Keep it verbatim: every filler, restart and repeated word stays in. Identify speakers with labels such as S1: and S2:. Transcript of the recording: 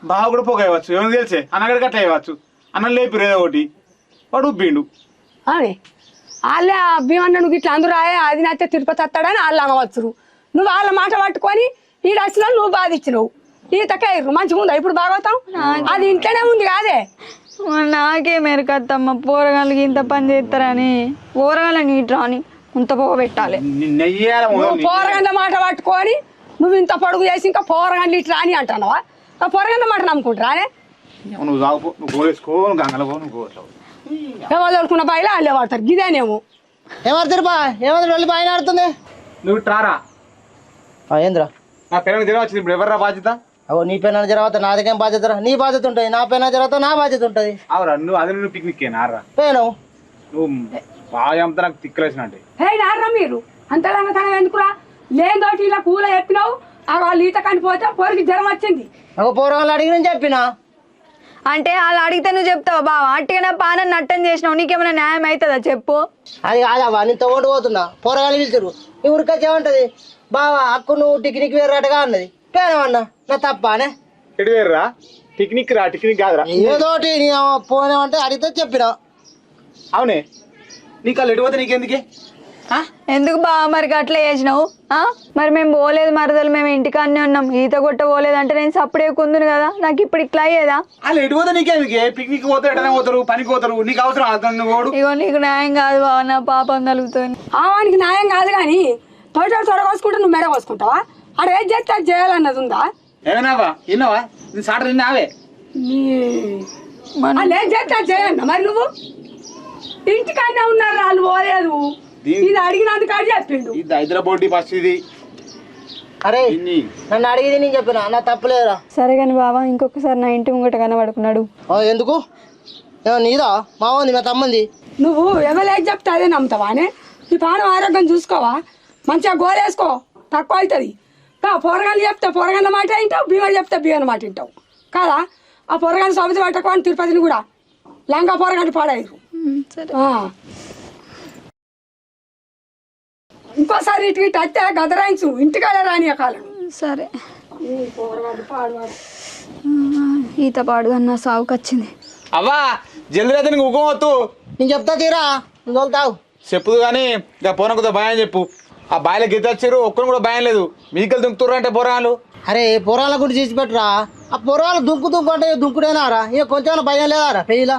S1: బాగా కూడా పోగా ఇవ్వచ్చు ఏమైనా తెలిసే అన్నగడికి అట్లా ఇవ్వచ్చు అన్నం లేపిరు ఏదో ఒకటి వాడు ఉబ్బిండు
S2: అని వాళ్ళే భీమన్న నువ్వు ఇట్లా అందరూ రాయే అది నచ్చే తిరుపతి వస్తాడని వాళ్ళు అనవచ్చు నువ్వు వాళ్ళ మాట పట్టుకొని ఈ వచ్చినా నువ్వు బాధ ఇచ్చినావు ఈతకైర్రు మంచిగా ఉందా ఇప్పుడు భాగవతం అది ఇంట్లోనే ఉంది కాదే
S3: నాకే మెరకత్తమ్మ పోరగాళ్ళకి ఇంత పని చేస్తారని పోరగాళ్ళని ఇట్రా అని ఇంత పొగ పెట్టాలి
S2: పోరగండ్ల మాట పట్టుకొని నువ్వు ఇంత పొడుగు చేసి ఇంకా పోరగండ్లు ఇట్లా అని అంటున్నావా ఆ పోరగండ్ల మాట నమ్ముకుంటారా
S1: నువ్వు తాగుపో నువ్వు గోలేసుకో గంగలో పో నువ్వు గోలేవు
S2: ఎవరు దొరుకున్న బాయిలో వాళ్ళే వాడతారు గిదేనేమో
S4: ఏమవుతారు బా ఏమవుతారు వెళ్ళి బాగా ఆడుతుంది
S1: నువ్వు ట్రారా
S4: ఏంద్రా
S1: నా పిల్లలకి జ్వరం వచ్చింది ఇప్పుడు ఎవర్రా బాధ్యత
S4: అవో నీ పైన జరగతా నాదికేం బాధ్యత నీ బాధ్యత ఉంటుంది నా పైన జరగతా నా బాధ్యత ఉంటుంది
S1: అవురా నువ్వు అదే నువ్వు పిక్నిక్ నారా
S4: పోయాను
S1: నువ్వు బాగా అంతా నాకు తిక్కలేసిన అంటే
S2: హే నారా మీరు అంతలాగా తన ఎందుకురా లేదోటి ఇలా కూల చెప్పినావు ఆ వాళ్ళు ఈత కనిపోతే పొరికి జ్వరం వచ్చింది
S4: ఒక పోరగాళ్ళు అడిగిన చెప్పినా
S3: అంటే వాళ్ళు అడిగితే నువ్వు చెప్తావు బావా అట్టిగా నా పానం నట్టం చేసినావు నీకేమైనా న్యాయం అవుతుందా చెప్పు
S4: అది కాదవ్వా నేను తోడు పోతున్నా పోరగాళ్ళు పిలిచారు ఈ ఊరికొచ్చి ఏమంటది బావా అక్కు నువ్వు టిక్నిక్ వేరేటగా అన్నది పోయానమన్నా నా తప్పానే
S1: ఎటు వేర్రా పిక్నిక్ రా పిక్నిక్ కాదురా
S4: ఏదోటి నీ పోనేమంటే అడిగితే చెప్పినా
S1: అవునే నీకు వాళ్ళు ఎటు పోతే నీకెందుకే
S3: ఎందుకు బావ మరి అట్లా చేసినావు మరి మేము పోలేదు మరదలు మేము ఇంటికాన్నే ఉన్నాం ఈత కొట్ట పోలేదు అంటే నేను సప్పుడే కుందును కదా నాకు ఇప్పుడు ఇట్లా అయ్యేదా
S1: వాళ్ళు ఎటు పోతే నీకెందుకే పిక్నిక్ పోతే ఎటనే పోతారు పనికి పోతారు నీకు అవసరం అతను పోడు
S3: ఇగో నీకు న్యాయం కాదు బావ నా పాపం కలుగుతుంది
S2: ఆవానికి న్యాయం కాదు కానీ తోట తొడ కోసుకుంటే నువ్వు మెడ కోసుకుంటావా ఆడ ఏం చేస్తే అది చేయాలన్నది ఉందా
S1: ఏమన్నావా విన్నావా నీ సాట నిన్నావే
S2: వాళ్ళు ఏం చేస్తే అది చేయాలన్నా మరి నువ్వు ఇంటికన్నా ఉన్నారు వాళ్ళు పోలేదు ఇది అడిగినందుకు అది చెప్పిండు
S1: ఇది హైదరాబాద్ బస్ ఇది
S4: అరే నన్ను అడిగింది నేను చెప్పిన నా తప్పులేదురా
S3: సరే కానీ బావా ఇంకొకసారి నా ఇంటి ముంగట కనబడుకున్నాడు
S4: ఎందుకు నీదా మా ఉంది మా తమ్మంది
S2: నువ్వు ఎవరు చెప్తే అదే నమ్ముతావా అనే నీ పానం ఆరోగ్యం చూసుకోవా మంచిగా గోలేసుకో తక్కువ అవుతుంది పొరగాలు చెప్తే పొరగన్న మాట వింటావు భీమలు చెప్తే భీమన్న మాట వింటావు కాదా ఆ పొరగాన్ని సమితి పట్టకోని తిరుపతిని కూడా లంగా పొరగంట పాడారు ఇంకోసారి ఇటు ఇటు అయితే గదరాయించు ఇంటికాడ రాని కాలం
S3: సరే
S2: పాడువాడు
S3: ఈత పాడుగా నా సాగుకు వచ్చింది
S1: అవ్వా జల్దీ అయితే నీకు ఉగమొత్తు
S4: నేను చెప్తా తీరా నువ్వు తోలుతావు
S1: చెప్పుదు కానీ ఇక పోనకుతో భయం చెప్పు ఆ బాయిలో గీత వచ్చారు ఒక్కరు కూడా భయం లేదు మీకలు దుంకుతుర్రు అంటే పోరాలు
S4: అరే పొరాల గురించి చేసి పెట్టురా ఆ పొరాలు దుంకు దుంకు అంటే దుంకుడేనారా ఇక కొంచెం భయం లేదారా పెయ్యిలా